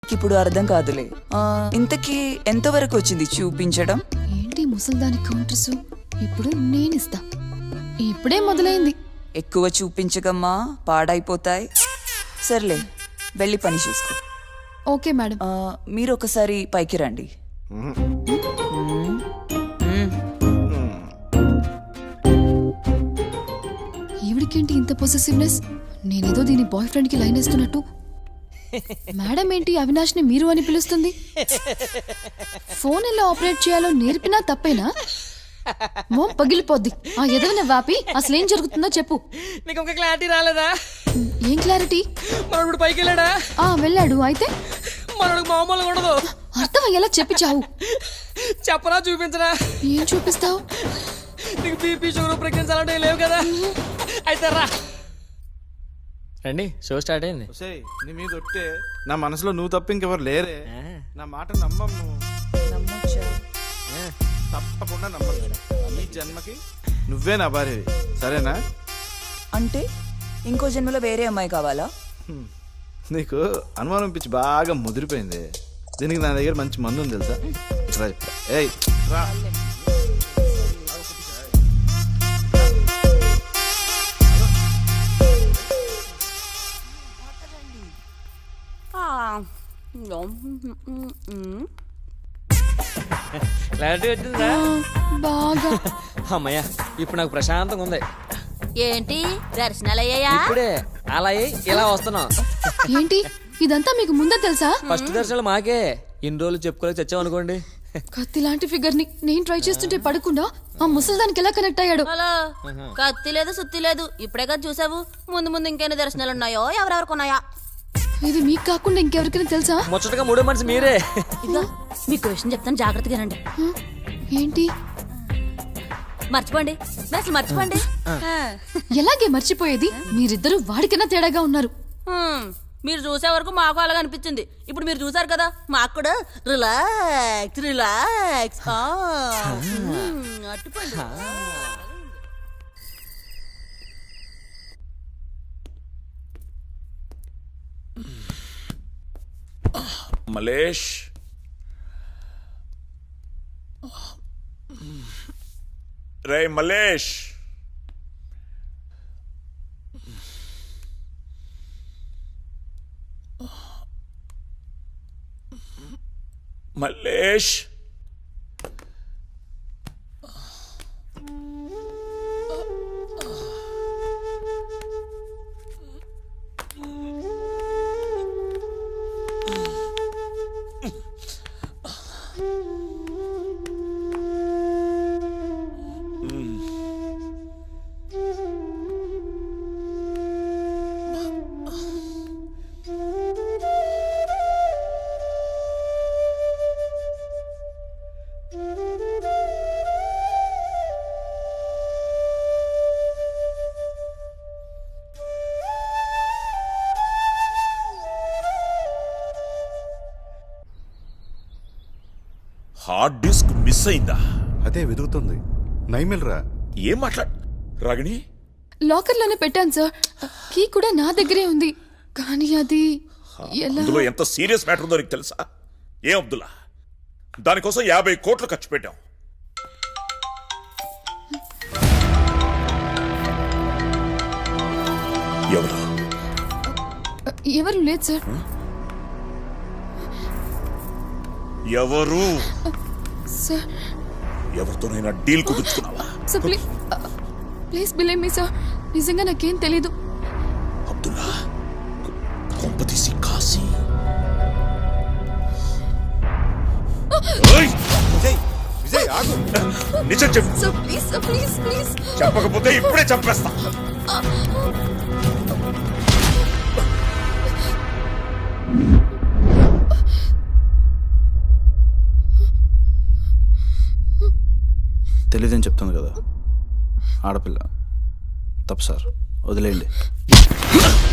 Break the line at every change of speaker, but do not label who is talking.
ఇప్పుడు అర్థం కాదులే. ఇంతకీ ఎంతవరకు వచ్చింది చూపించడం?
ఏంటి ముసల్దాని కౌంటర్స్? ఇప్పుడు నేనిస్తా. ఇప్పుడే మొదలైంది.
ఎక్కువ చూపించగమ్మా, పాడైపోతాయి. సర్లే, వెళ్ళి పని చూసుకో.
Okay madam.
మీరు ఒకసారి పైకి రండి.
ఈవిడికేంటి ఇంత పొసెసివ్నెస్? నేనేదో దీని బాయ్ ఫ్రెండ్ కి లైన్ వేస్తున్నట్టు. మేడం ఏంటి అవినాష్ ని మీరు అని పిలుస్తుంది? ఫోన్ ఎలా ఆపరేట్ చేయాలో నేర్పినా తప్పేనా? మోం పగిలిపోద్ది. ఆ ఎదవన వాపి అసలేం జరుగుతుందో చెప్పు.
నీకు ఇంకా క్లారిటీ రాలేదా?
ఏం క్లారిటీ?
మనోడు పైకి వెళ్ళాడా?
వెళ్ళాడు. అయితే
మనోడు మామూలుగా ఉండదు.
అర్థం అయ్యేలా చెప్పి చావు.
చెప్పరా, చూపించరా?
ఏం చూపిస్తావు?
నీకు బీపీ షుగర్ ప్రెగ్నెన్సీ అలాంటివి లేవు కదా? అయితే రా రండి, షో స్టార్ట్ అయింది.
నీ మీద ఒట్టే నా మనసులో నువ్వు తప్ప ఇంకెవరు లేరే. నా మాట నమ్మము. తప్పకుండా నమ్మను. ఈ జన్మకి నువ్వే నా భార్యవి, సరేనా?
అంటే ఇంకో జన్మలో వేరే అమ్మాయి కావాలా?
నీకు అనుమానం పిచ్చి బాగా ముదిరిపోయింది. దీనికి నా దగ్గర మంచి మందు ఉంది తెలుసా? రా చెప్తా. ఏయ్ రా.
క్లారిటీ వచ్చిందా?
బాగా.
అమ్మయ్యా, ఇప్పుడు నాకు ప్రశాంతంగా ఉంది.
ఏంటి దర్శనాలు అయ్యాయా?
ఇప్పుడే అలా అయ్యి ఇలా వస్తున్నాం.
ఏంటి ఇదంతా మీకు ముందే తెలుసా?
ఫస్ట్ దర్శనాలు మాకే. ఇన్ని రోజులు చెప్పుకోలేక చచ్చాం అనుకోండి.
కత్తి లాంటి ఫిగర్ ని నేను ట్రై చేస్తుంటే పడకుండా ఆ ముసల్దానికి ఎలా కనెక్ట్ అయ్యాడు?
హలో, కత్తి లేదు సుత్తి లేదు, ఇప్పుడే కదా చూసావు. ముందు ముందు ఇంకెన్ని దర్శనాలు ఉన్నాయో, ఎవరెవరికి ఉన్నాయా?
ఇది మీకు కాకుండా ఇంకెవరికైనా తెలుసా?
ముచ్చటగా మూడో మనిషి మీరే.
ఇదిగో మీకు విషయం చెప్తాను, జాగ్రత్తగా రండి.
ఏంటి?
మర్చిపోండి, అసలు మర్చిపోండి.
ఎలాగే మర్చిపోయేది? మీరిద్దరూ వాడికన్నా తేడాగా ఉన్నారు.
మీరు చూసే వరకు మాకు అలాగ అనిపించింది. ఇప్పుడు మీరు చూసారు కదా, మాకు కూడా రిలాక్స్ రిలాక్స్. అట్టుకోండి.
మలేష్, రే Malesh, Malesh, hard disk miss అయిందా?
అదే వెతుకుతుంది. నైమిల్రా.
ఏం మాట్లాడు రాగిణి?
లాకర్ లోనే పెట్టాను సార్. కీ కూడా నా దగ్గరే ఉంది. కానీ అది ఎలా?
అందులో ఎంత సీరియస్ మ్యాటర్ ఉందో నీకు తెలుసా? ఏ అబ్దుల్లా, దానికోసం 50 కోట్లు ఖర్చు పెట్టాం. ఎవరు?
ఎవరు లేదు సార్.
ఎవరు?
సార్,
ఎవరితోనైనా డీల్ కుదుర్చుకున్నావా?
Sir please believe me sir. నిజంగా నాకేం తెలీదు.
అబ్దుల్లా, కొంపతీసి కాశీ.
విజయ్ ఆగు.
నిజం చెప్పు.
Sir please sir, please please.
చెప్పకపోతే ఇప్పుడే చంపేస్తా.
తెలియదని చెప్తుంది కదా, ఆడపిల్ల. తప్పు సార్, వదిలేయండి.